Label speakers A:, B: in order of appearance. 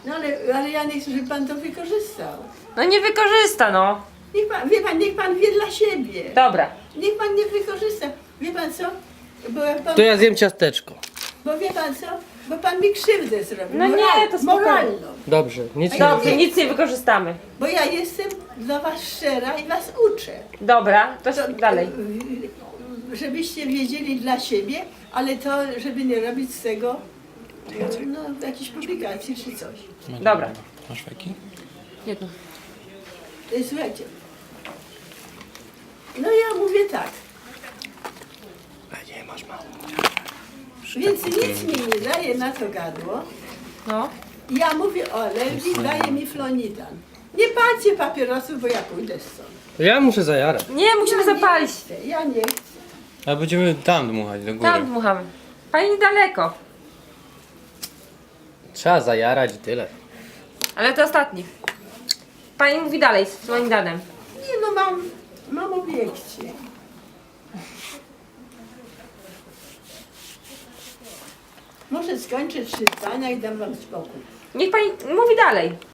A: No ale ja nie chcę, żeby pan to wykorzystał.
B: No nie wykorzysta, no.
A: Niech pan, wie pan, niech pan wie dla siebie.
B: Dobra.
A: Niech pan nie wykorzysta. Wie pan co? Bo, jak pan,
C: To ja zjem ciasteczko.
A: bo wie pan co? Bo pan mi krzywdę zrobił.
B: No nie, to spokojnie.
A: moralną.
C: Dobrze, nic nie
B: Dobrze, nic nie wykorzystamy.
A: Bo ja jestem dla was szczera i was uczę.
B: Dobra, to dalej.
A: Żebyście wiedzieli dla siebie, ale to, żeby nie robić z tego no, jakiejś publikacji czy coś.
B: Dobra.
D: Masz fajki?
B: Jedno.
A: Słuchajcie. No ja mówię tak.
D: A nie, masz mało.
A: Więc nic mi nie daje na to gadło.
B: No.
A: Ja mówię o alergii, daje mi flonidan. Nie palcie papierosów, bo ja pójdę stąd.
C: To ja muszę zajarać.
B: Nie, musimy zapalić.
A: Ja nie chcę.
D: A będziemy tam dmuchać, do góry.
B: Tam dmuchamy. Pani niedaleko.
C: Trzeba zajarać i tyle.
B: Ale to ostatni. Pani mówi dalej z flonidanem.
A: Nie no, mam obiekcie. Może skończę 3 zdania i dam wam spokój.
B: Niech pani mówi dalej.